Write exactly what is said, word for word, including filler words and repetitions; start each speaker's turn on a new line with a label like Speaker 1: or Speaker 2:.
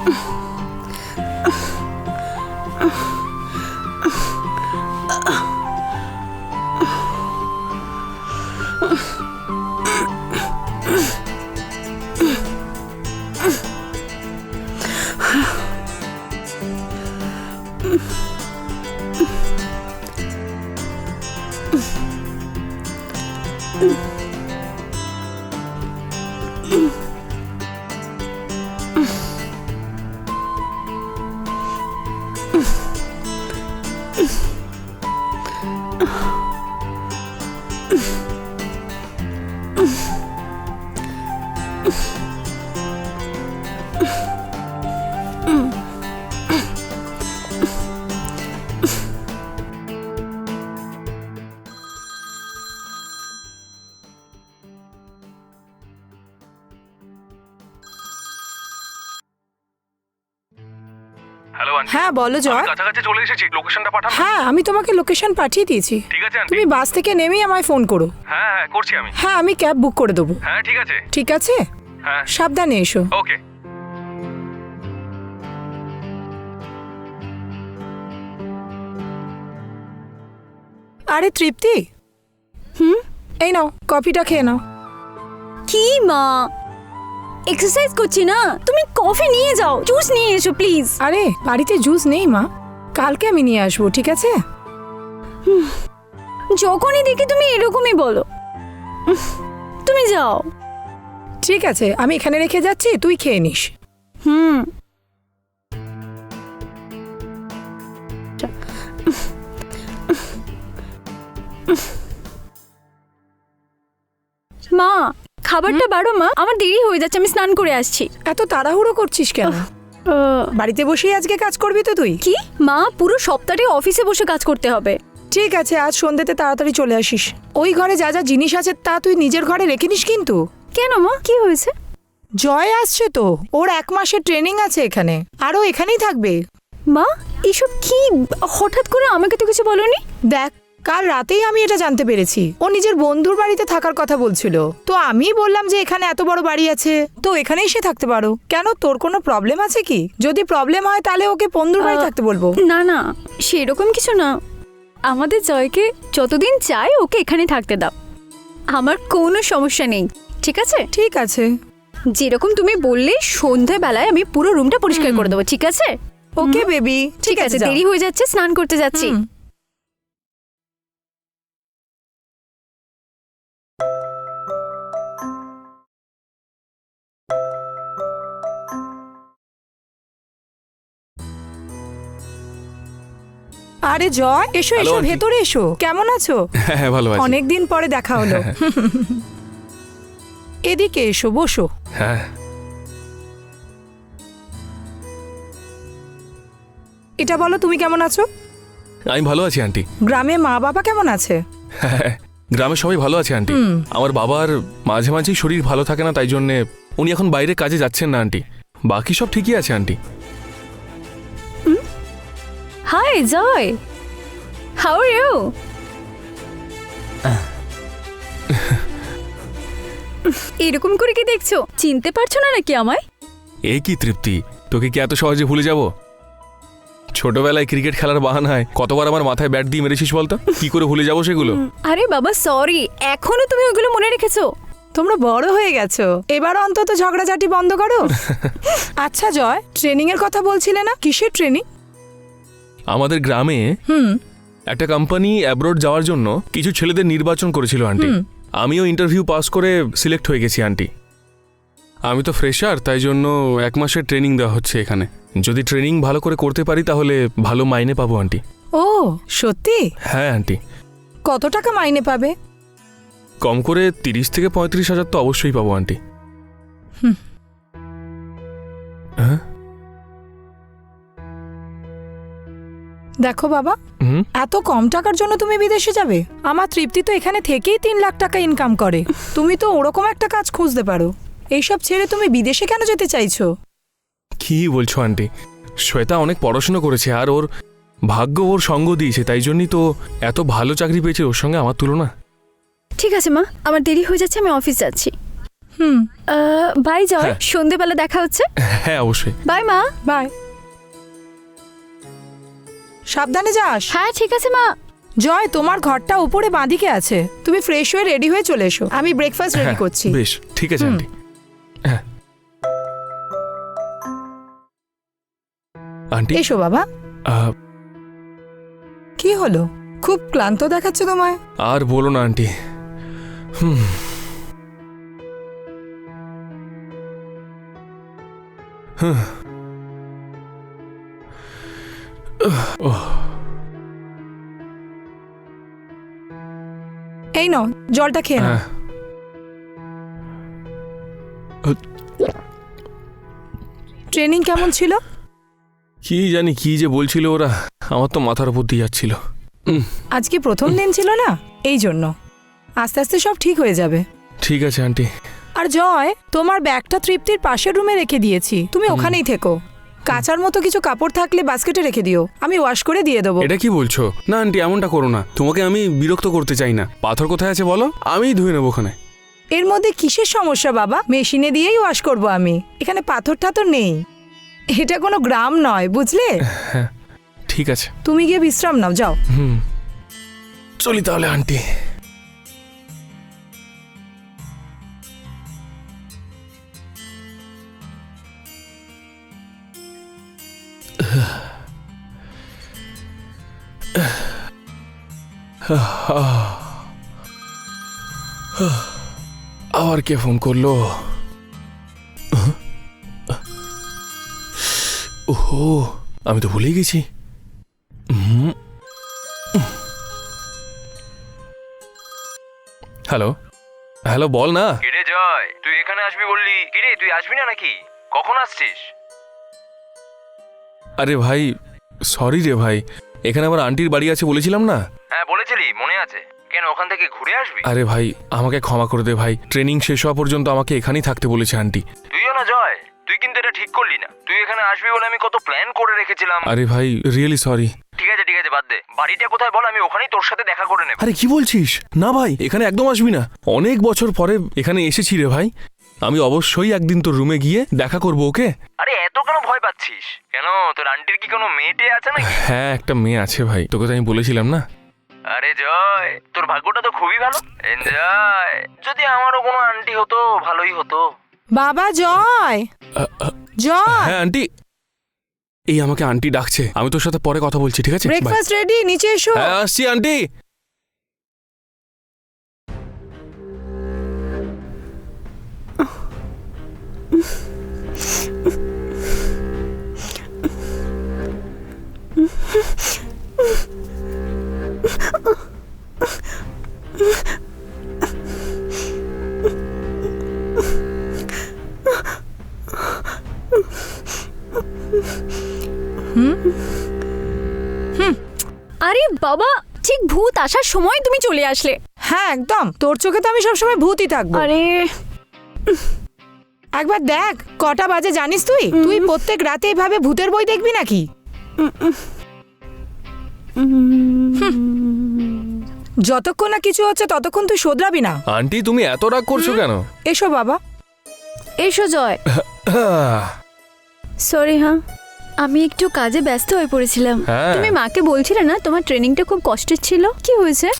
Speaker 1: হ্যাঁ বলো জয়।
Speaker 2: কাছাকাছি চলে এসেছি, লোকেশনটা পাঠান।
Speaker 1: হ্যাঁ আমি তোমাকে লোকেশন পাঠিয়ে দিয়েছি।
Speaker 2: ঠিক আছে আন্টি।
Speaker 1: তুমি বাস থেকে নেমেই আমায় ফোন করো।
Speaker 2: হ্যাঁ হ্যাঁ করছি আমি।
Speaker 1: হ্যাঁ আমি ক্যাব বুক করে দেবো।
Speaker 2: হ্যাঁ ঠিক আছে।
Speaker 1: ঠিক আছে,
Speaker 2: হ্যাঁ
Speaker 1: সাবধানে এসো।
Speaker 2: ওকে।
Speaker 1: আরে তৃপ্তি, হুম এই নাও কফিটা খেয়ে নাও।
Speaker 3: কি মা, এক্সারসাইজ করছি না, তুমি কফি নিয়ে যাও, জুস নিয়ে এসো প্লিজ।
Speaker 1: আরে বাড়িতে জুস নেই মা, কালকে আমি নিয়ে আসবো। ঠিক আছে?
Speaker 3: যখনই দেখি তুমি এরকমই বলো। তুমি যাও।
Speaker 1: ঠিক আছে আমি এখানে রেখে যাচ্ছি, তুই খেয়ে নিস।
Speaker 3: হুম। মা খাবারটা বাড়ো মা, আমার দেরি হয়ে যাচ্ছে, আমি স্নান করে আসছি।
Speaker 1: এত তাড়াহুড়ো করছিস কেন? বাড়িতে বসেই আজকে কাজ করবি তো তুই?
Speaker 3: কি মা, পুরো সপ্তাহটা অফিসে বসে কাজ করতে হবে।
Speaker 1: ঠিক আছে আজ সন্ধ্যেতে তাড়াতাড়ি চলে আসিস। ওই ঘরে যা যা জিনিস আছে তা তুই নিজের ঘরে রেখে নিস কিন্তু।
Speaker 3: কেন মা, কি হয়েছে?
Speaker 1: জয় আসছে তো, ওর এক মাসের ট্রেনিং আছে এখানে, আরও এখানেই থাকবে।
Speaker 3: মা এসব কি, হঠাৎ করে আমাকে তো কিছু বলোনি।
Speaker 1: দেখ কাল রাতেই আমি এটা জানতে পেরেছি, ও নিজের বন্ধুর বাড়িতে থাকার কথা বলছিল, তো আমি বললাম যে এখানে এত বড় বাড়ি আছে তো এখানেই সে থাকতে পারো। কেন, তোর কোনো প্রবলেম আছে কি? যদি প্রবলেম হয় তাহলে ওকে বন্ধুর বাড়ি থাকতে বলবো।
Speaker 3: না না সেরকম কিছু না, আমাদের জয়কে যতদিন চাই ওকে এখানে থাকতে দাও, আমার কোনো সমস্যা নেই। ঠিক আছে?
Speaker 1: ঠিক আছে,
Speaker 3: যেরকম তুমি বললে সন্ধ্যাবেলায় আমি পুরো রুমটা পরিষ্কার করে দেবো। ঠিক আছে?
Speaker 1: Okay baby.
Speaker 3: ঠিক আছে, দেরি হয়ে যাচ্ছে, স্নান করতে যাচ্ছি।
Speaker 1: আরে জয় এসো
Speaker 2: Hello,
Speaker 1: এসো,
Speaker 2: aunty.
Speaker 1: ভেতরে এসো। কেমন আছো?
Speaker 2: হ্যাঁ হ্যাঁ ভালো আছি।
Speaker 1: অনেকদিন পরে দেখা হলো। এদিকে এসো, বসো।
Speaker 2: হ্যাঁ
Speaker 1: এটা বলো তুমি কেমন আছো?
Speaker 2: আমি ভালো আছি আন্টি।
Speaker 1: গ্রামে মা বাবা কেমন আছে?
Speaker 2: হ্যাঁ গ্রামে সবাই ভালো আছে আন্টি।
Speaker 1: হুম।
Speaker 2: আমার বাবার মাঝে মাঝেই শরীর ভালো থাকে না, তাই জন্যে উনি এখন বাইরে কাজে যাচ্ছেন না আন্টি। বাকি সব ঠিকই আছে aunty.
Speaker 3: Hi Joy, how are you? এরকম করে কি দেখছো, চিনতে পারছো না নাকি আমায়?
Speaker 2: এই কি তৃপ্তি, তোকে কি এত সহজে ভুলে যাব? ছোটবেলায় ক্রিকেট খেলার বাহানায় কতবার আমার মাথায় ব্যাট দিয়ে মেরেছিস বলতো, কি করে ভুলে যাবো সেগুলো?
Speaker 3: আরে বাবা সরি, এখনো তুমি ওগুলো মনে রেখেছো?
Speaker 1: তোমরা বড় হয়ে গেছো, এবার অন্তত ঝগড়াঝাটি বন্ধ করো। আচ্ছা জয়, ট্রেনিং এর কথা বলছিলে না, কিসের ট্রেনিং?
Speaker 2: আমাদের গ্রামে
Speaker 1: হুম
Speaker 2: একটা কোম্পানি অ্যাব্রোড যাওয়ার জন্য কিছু ছেলেদের নির্বাচন করেছিল আন্টি। আমিও ইন্টারভিউ পাস করে সিলেক্ট হয়ে গেছি আন্টি। আমি তো ফ্রেশার, তাই জন্য এক মাসের ট্রেনিং দেওয়া হচ্ছে এখানে। যদি ট্রেনিং ভালো করে করতে পারি তাহলে ভালো মাইনে পাবো আন্টি।
Speaker 1: ও সত্যি?
Speaker 2: হ্যাঁ আন্টি।
Speaker 1: কত টাকা মাইনে পাবে?
Speaker 2: কম করে তিরিশ থেকে পঁয়ত্রিশ হাজার তো অবশ্যই পাবো আন্টি। হ্যাঁ
Speaker 1: দেখো বাবা,
Speaker 2: হুম
Speaker 1: এত কম টাকার জন্য তুমি বিদেশে যাবে? আমার তৃপ্তি তো এখানে থেকেই তিন লাখ টাকা ইনকাম করে, তুমি তো ওরকম একটা কাজ খুঁজতে পারো। এইসব ছেড়ে তুমি বিদেশে কেন যেতে চাইছো?
Speaker 2: কি বলছো আন্টি, শ্বেতা অনেক পড়াশুনো করেছে আর ওর ভাগ্য ওর সঙ্গ দিয়েছে, তাই জন্যই তো এত ভালো চাকরি পেয়েছে, ওর সঙ্গে আমার তুলনা।
Speaker 3: ঠিক আছে মা, আমার দেরি হয়ে যাচ্ছে, আমি অফিস যাচ্ছি।
Speaker 1: হুম
Speaker 3: বাই জয়,
Speaker 2: হ্যাঁ।
Speaker 3: সন্ধেবেলা দেখা হচ্ছে।
Speaker 2: হ্যাঁ অবশ্যই।
Speaker 3: বাই মা।
Speaker 1: বাই। সাবধানে যাস।
Speaker 3: হ্যাঁ ঠিক আছে মা।
Speaker 1: জয়, তোমার ঘরটা উপরে বাঁদিকে আছে, তুমি ফ্রেশ হয়ে রেডি হয়ে চলে এসো, আমি ব্রেকফাস্ট রেডি
Speaker 2: হ্যাঁ,
Speaker 1: করছি।
Speaker 2: বেশ ঠিক আছে
Speaker 1: হুম।
Speaker 2: আন্টি। হ্যাঁ আন্টি
Speaker 1: এসো বাবা।
Speaker 2: আহ,
Speaker 1: কি হলো, খুব ক্লান্ত দেখাচ্ছে তোমায়।
Speaker 2: আর বলো না আন্টি। হুম হুম। ওহ,
Speaker 1: এই নাও জলটা খেয়ে নাও।
Speaker 2: হ্যাঁ।
Speaker 1: ট্রেনিং কেমন ছিল?
Speaker 2: কি জানি কি যে বলছিল ওরা, আমার তো মাথার উপর দিয়ে যাচ্ছিল। উম,
Speaker 1: আজকে প্রথম দিন ছিল না, এই জন্য। আস্তে আস্তে সব ঠিক হয়ে যাবে।
Speaker 2: ঠিক আছে আন্টি।
Speaker 1: আর জয়, তোমার ব্যাগটা তৃপ্তির পাশের রুমে রেখে দিয়েছি, তুমি ওখানেই থেকো। কাচার মতো কিছু কাপড় থাকলে বাস্কেটে রেখে দিও, আমি ওয়াশ করে দিয়ে দেবো।
Speaker 2: এটা কি বলছো? না আন্টি এমনটা করো না, তোমাকে আমি বিরক্ত করতে চাই না। পাথর কোথায় আছে বলো, আমিই ধুয়ে নেবো ওখানে।
Speaker 1: এর মধ্যে কিসের সমস্যা বাবা, মেশিনে দিয়েই ওয়াশ করব আমি, এখানে পাথর টাথর নেই। এটা কোনো গ্রাম নয়, বুঝলে?
Speaker 2: হ্যাঁ ঠিক আছে।
Speaker 1: তুমি গিয়ে বিশ্রাম নাও, যাও।
Speaker 2: হুম চলি তাহলে আন্টি। আবার কে ফোন করলো? ওহো, আমি তো ভুলেই গেছি। হুম। হ্যালো হ্যালো, বল না।
Speaker 4: কিরে জয়, তুই এখানে আসবি বললি, কিরে তুই আসবি না নাকি? কখন আসছিস?
Speaker 2: আরে ভাই সরি রে ভাই, এখানে আমার আন্টির বাড়ি আছে বলেছিলাম না।
Speaker 4: হ্যাঁ বলেছিলি, মনে আছে। কেন ওখান থেকে ঘুরে আসবি?
Speaker 2: আরে ভাই আমাকে ক্ষমা করে দে ভাই, ট্রেনিং শেষ হওয়া পর্যন্ত আমাকে এখানেই থাকতে বলেছে আন্টি।
Speaker 4: তুইও না জয়, তুই কিন্তু এটা ঠিক করলি না। তুই এখানে আসবি বলে আমি কত প্ল্যান করে রেখেছিলাম।
Speaker 2: আরে ভাই রিয়েলি সরি।
Speaker 4: ঠিক আছে ঠিক আছে, বাদ দে। বাড়িটা কোথায় বল, আমি ওখানেই তোর সাথে দেখা করে নেব।
Speaker 2: আরে কি বলছিস? না ভাই এখানে একদম আসবি না, অনেক বছর পরে এখানে এসেছি রে ভাই, আমি অবশ্যই একদিন তোর রুমে গিয়ে দেখা করবো, ওকে?
Speaker 4: আরে এত কেন ভয় পাচ্ছিস? কেন তোর আন্টির কি কোনো মেয়েটে আছে নাকি?
Speaker 2: হ্যাঁ একটা মেয়ে আছে ভাই, তোকে তো আমি বলেছিলাম না।
Speaker 4: আরে জয়, তোর ভাগ্যটা তো খুবই ভালো। এনজয়, যদি আমারও কোনো আন্টি হতো ভালোই হতো।
Speaker 1: বাবা জয়, জয়,
Speaker 2: হ্যাঁ আন্টি, এই আমাকে আন্টি ডাকছে, আমি তোর সাথে পরে কথা বলছি, ঠিক আছে? Bye.
Speaker 1: ব্রেকফাস্ট রেডি, নিচে এসো।
Speaker 2: হ্যাঁ আসছি আন্টি।
Speaker 3: আরে বাবা, ঠিক ভূত আসার সময় তুমি চলে আসলে।
Speaker 1: হ্যাঁ একদম, তোর চোখে তো আমি সবসময় ভূতই থাকবো।
Speaker 3: আরে
Speaker 1: একবার দেখ কটা বাজে জানিস তুই? তুই প্রত্যেক রাতে এইভাবে ভূতের বই দেখবি নাকি? যতক্ষণ না কিছু হচ্ছে ততক্ষণ তুই শোধরাবি না।
Speaker 2: আন্টি তুমি এত রাগ করছো কেন?
Speaker 1: এসো বাবা।
Speaker 3: এসো জয়। সরি, হ্যাঁ আমি একটু কাজে ব্যস্ত হয়ে পড়েছিলাম।
Speaker 2: হ্যাঁ।
Speaker 3: তুমি মাকে বলছিলে না তোমার ট্রেনিংটা খুব কষ্টের ছিল, কি হয়েছে?